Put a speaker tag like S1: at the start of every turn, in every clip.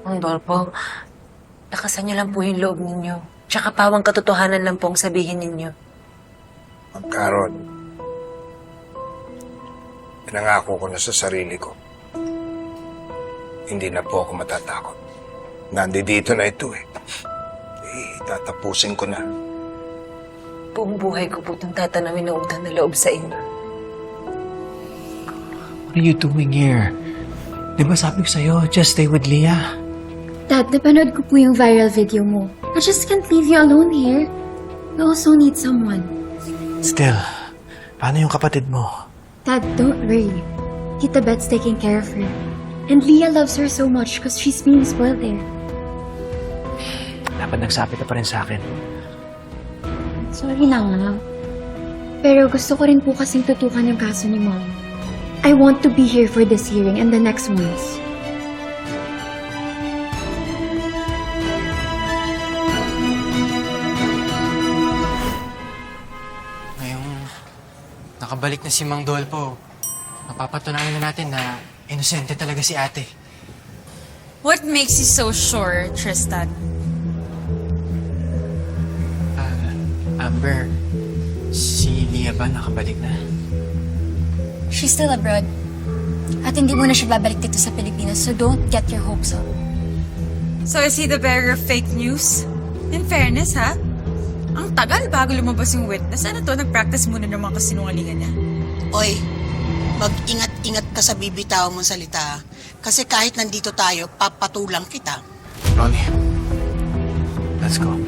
S1: Mang Dolpo, lakasan niyo lang po yung loob ninyo. Tsaka pawang katotohanan lang po ang sabihin ninyo.
S2: Ma'am Carol, pinangako ko na sa sarili ko. Hindi na po ako matatakot. Nandito na ito eh. Tatapusin ko na.
S1: Buong buhay ko po itong tatanawin na utang na loob sa inyo.
S3: What are you doing here? Di ba sabi ko sa'yo, just stay with Leah?
S4: Dad, napanood ko po yung viral video mo. I just can't leave you alone here. We also need someone.
S3: Still, paano yung kapatid mo?
S4: Dad, don't worry. Tita Bet's taking care of her. And Leah loves her so much because she's being spoiled there.
S3: Dapat nagsabi ka pa rin sa akin.
S4: Sorry na nga. Pero gusto ko rin po kasing tutukan yung kaso ni Mom. I want to be here for this hearing and the next ones.
S5: Ngayong nakabalik na si Mang Dolpo, mapapatunayan na natin na inosente talaga si ate.
S6: What makes you so sure, Tristan?
S5: Amber, si Leah ba nakabalik na?
S7: She's still abroad. At hindi mo na siya babalik dito sa Pilipinas, so don't get your hopes up.
S6: So is he the bearer of fake news? In fairness, ha? Ang tagal bago lumabas yung witness. Ano to? Nag-practice muna ng mga kasinungalingan niya.
S8: Oy, mag-ingat-ingat ka sa bibitaw mong salita. Kasi kahit nandito tayo, papatulang kita.
S3: Ronnie, let's go.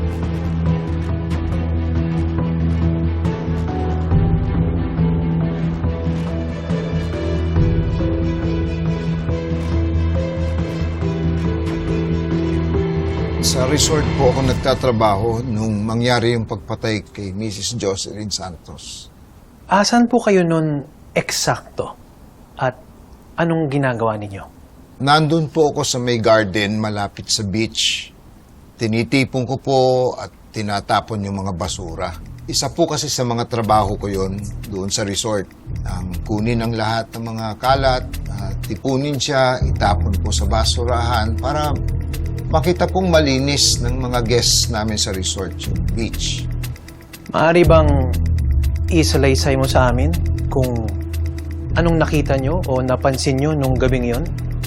S2: Sa resort po ako nagtatrabaho nung mangyari yung pagpatay kay Mrs. Jocelyn Santos.
S3: Asan po kayo nun eksakto? At anong ginagawa ninyo?
S2: Nandun po ako sa may garden malapit sa beach. Tinitipon ko po at tinatapon yung mga basura. Isa po kasi sa mga trabaho ko yon doon sa resort. Ang kunin ang lahat ng mga kalat, tipunin siya, itapon po sa basurahan para makita pong malinis ng mga guests namin sa resort, yung beach.
S3: Maaari bang isalaysay mo sa amin kung anong nakita nyo o napansin nyo nung gabing yon?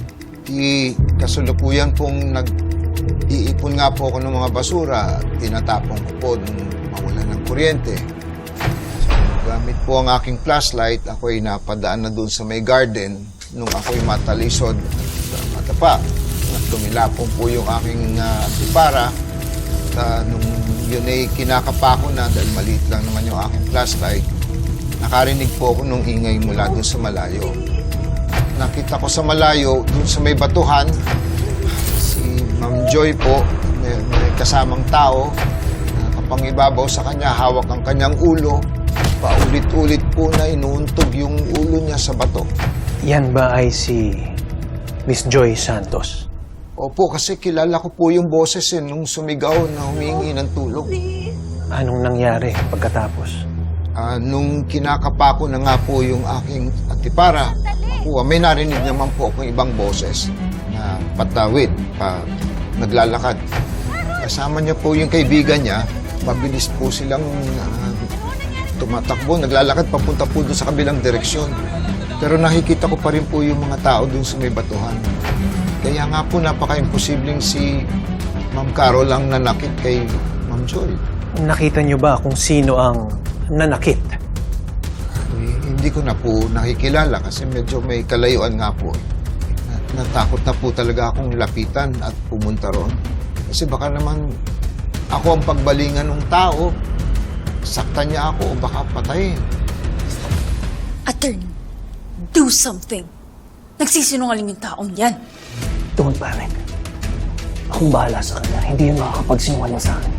S2: Kasalukuyan pong nag-iipon nga po ako ng mga basura. Tinatapon ko po nung mawala ng kuryente. Gamit po ang aking flashlight, ako'y napadaan na doon sa may garden nung ako'y matalisod at matapa. Tumilapon po yung aking antipara. Nung yun ay kinakapa ko na dahil maliit lang naman yung aking flashlight. Nakarinig po ako nung ingay mula doon sa malayo. Nakita ko sa malayo, doon sa may batuhan, si Ma'am Joy po, may kasamang tao. Nakapangibabaw sa kanya, hawak ang kanyang ulo. Paulit-ulit po na inuuntog yung ulo niya sa bato.
S3: Yan ba ay si Miss Joy Santos?
S2: Opo, kasi kilala ko po yung boses nung sumigaw na humingi ng tulong.
S3: Anong nangyari pagkatapos?
S2: Nung kinakapa ko na nga po yung aking antipara, may narinig naman po akong ibang boses na patawid, naglalakad. Kasama niya po yung kaibigan niya, mabilis po silang tumatakbo, naglalakad papunta po doon sa kabilang direksyon. Pero nakikita ko pa rin po yung mga tao doon sa may batuhan. Kaya nga po napaka-imposibleng si Ma'am Carol ang nanakit kay Ma'am Joy.
S3: Nakita niyo ba kung sino ang nanakit?
S2: Hindi ko na po nakikilala kasi medyo may kalayuan nga po. Natakot na po talaga akong lapitan at pumunta roon. Kasi baka naman ako ang pagbalingan ng tao, saktan niya ako o baka patayin.
S7: Attorney, do something. Nagsisinungaling yung taong yan.
S3: Don't panic. Akong bahala sa kanya. Hindi yun makakapagsinungaling sa akin.